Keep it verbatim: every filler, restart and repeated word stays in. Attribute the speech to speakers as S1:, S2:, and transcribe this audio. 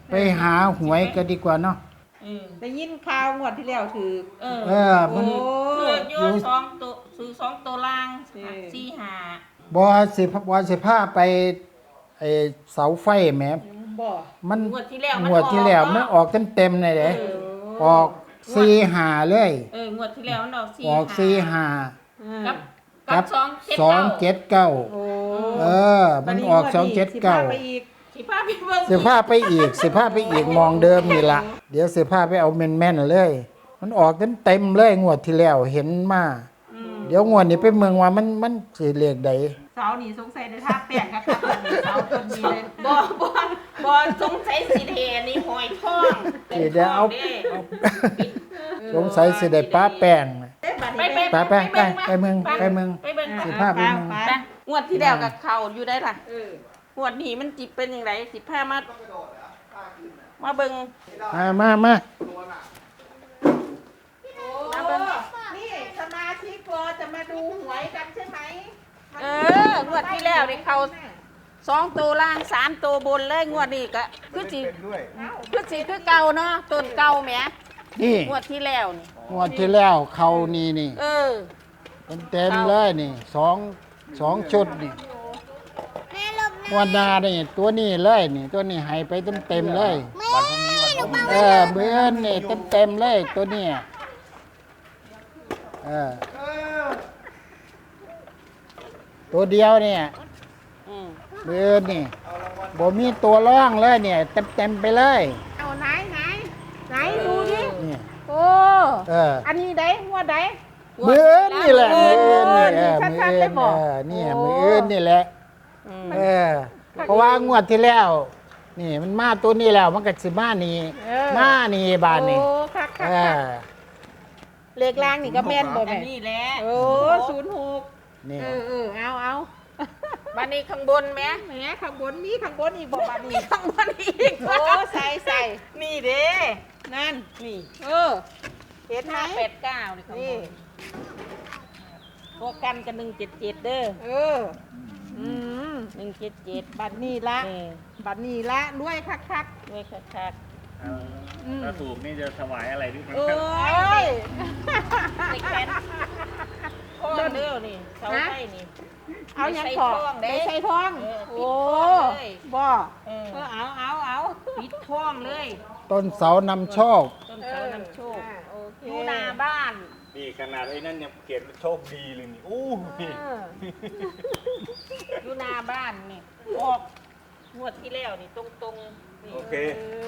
S1: ไปหาหวยกันดีกว่าเนาะ
S2: เออ
S3: ได้ยินข่าวงวดที่แล้วถือ
S2: เออ
S1: เออมัน
S3: โอ้
S2: คือโยนสองตัวซื้อสองตัวล่าง
S3: เออ
S2: สี่ห้า
S1: บอสิบอสิพาไปไอเสาไฟแหม
S3: บ่
S1: มัน
S2: งวดที่แล้วมัน
S1: งวดที่แล้ว
S2: ออก
S1: มันออกเต็มๆเลยเด้
S2: เออ
S1: ออกสี่หาเลย
S2: เอองวดที่แล้วมันออกสี่
S1: ออกสี่หา
S2: กับ
S1: กั
S2: กับบ สองเจ็ด
S1: สองเจ็ดเก้า
S3: โอ้
S1: เออ มันออกสองเจ็ดเก้า
S3: สิพไปอีก
S2: สิพาไปเบิ่ง
S1: สิพาไปอีกสิพาไปอีกมองเดิมนี่ละเดี๋ยวสิพาไปเอาแม่นๆเลย มันออกเต็มๆเลยงวดที่แล้วเห็นมา
S2: อืม
S1: เดี๋ยวงวดนี้ไปเมืองว่ามันมันสิเลขใด
S3: เสานี่สงสัยได้ท่าแป้งครับเสาต้นนี้เลย
S2: บ่บ่บ่สงสัยสิเทนี่หอยทอง
S1: สิเดี๋ยวเอา
S2: ด้
S1: สงสัยสิได้ป้าแป้ง
S3: เอ๊ะบัด
S2: ไป
S3: นี้
S2: ไป
S1: ไปไปไปไปเมืองไปเมือง
S2: ไปเบิ่ง
S1: สิพาไปเมือง
S3: ไป
S2: ไปงวดที่แล้วกับเขาอยู่ได้ล่ะ
S3: เออ
S2: งวดนี้มันจิเป็นอย่างไรสิพามามาเบิ่ง
S1: มามามา
S2: มาเบิ่ง
S3: นี่สมาชิกรอจะมาดูหวยกันใช่ไหม
S2: เอองวดที่แล้วนี่เขาสองตัวล่างสามตัวบนเลยงวดนี้ก็คือสิคือสิคือเก่าเนาะต้นเก่าแหม
S1: นี่
S2: งวดที่แล้วนี่
S1: งวดที่แล้วเขานี่นี่
S2: เออ
S1: เต็มๆเลยนี่สองสองชุดนี่งวันนานี่ตัวนี้เลยนี่ ตัวนี้ให้ไปเต็มๆเลย
S4: วันพรุ่งนี้วันพรุ่งนี้
S1: เออเบื้อนนี่เต็มๆเลยตัวเนี้ยเออตัวเดียวเนี่ย
S2: อืม
S1: เบื้อนนี่บ่มีตัวร่องเลยเนี่ยเต็มๆไปเลย
S3: เอาไหนไหนไหนดูดิ
S1: นี่
S3: โอ้
S1: เออ
S3: อันนี้ได้งวดได้
S1: มืออนนี่แหละมืออนนี่เออ
S3: ชั
S1: มือ
S3: ดๆ
S1: อ
S3: ได้
S1: น
S3: บอก
S1: เออนี่
S3: โอ้
S1: มืออนนี่แหละ
S2: อืม
S1: เออเพราะว่างวดที่แล้ว นี่มันมาตัวนี้แล้วมันก็สิมานี่
S3: เออ
S1: มานี่บานนี่
S3: โอ้คักคั
S1: เอก
S3: คัก
S1: อ
S3: เลขล่างนี่ก็แม่นบ่
S2: อั
S3: แม่
S2: นนี้แหละ
S3: โอ้ศูนย์หก
S1: นี่
S3: เออเออเอาเอา
S2: บันนี้ข้างบนแหม
S3: แหมข้างบนมีข้างบนอีกบ่บัด
S2: มี
S3: นี้
S2: ข้างบนอีก
S3: โอ้ใส่ใส่
S2: นี่เด้
S3: นั่น
S2: นี่
S3: เออเห็นไหม
S2: ห้าแปดเก้านี่ข้างบ
S3: นี่
S2: นพวกกันกันหนึ่งเจ็ดเจ็ดเด้อ
S3: เอออืม
S2: หนึ่งเจ็ดเจ็ด
S3: บัดนี้ละ
S2: นี่
S3: บัดนี้ละรวยคักคัก
S2: ด้วยคัก
S4: เอาถ้าถูกนี่จะถวายอะไรด้วย
S2: ๆ
S4: มั้
S2: เอ้
S3: เอ้
S2: ย
S3: ย
S2: ในแขนท้องเด้อนี่เสาไฟนี่
S3: เอายัง
S2: ไม่ใส่
S3: ขอ
S2: ทองเด้
S3: ไม่ใส่ทอง
S2: เออปิด
S3: โอ้
S2: ทองเลย
S3: บ่
S2: เออ
S3: เออเอาเอาเอา
S2: ปิดท้องเลย
S1: ต้นเสานำโชค
S2: ต้นเสานำโชค
S3: อ่าโอเค
S2: อยู่หน้าบ้าน
S4: นี่ขนาดไอ้นั่นยังเขียนโชคดีเลยนี่อู้นี่
S3: เออ
S2: อยู่หน้าบ้านนี่ออกงวดที่แล้วนี่ตรงๆนี่
S4: โอเค
S3: เออ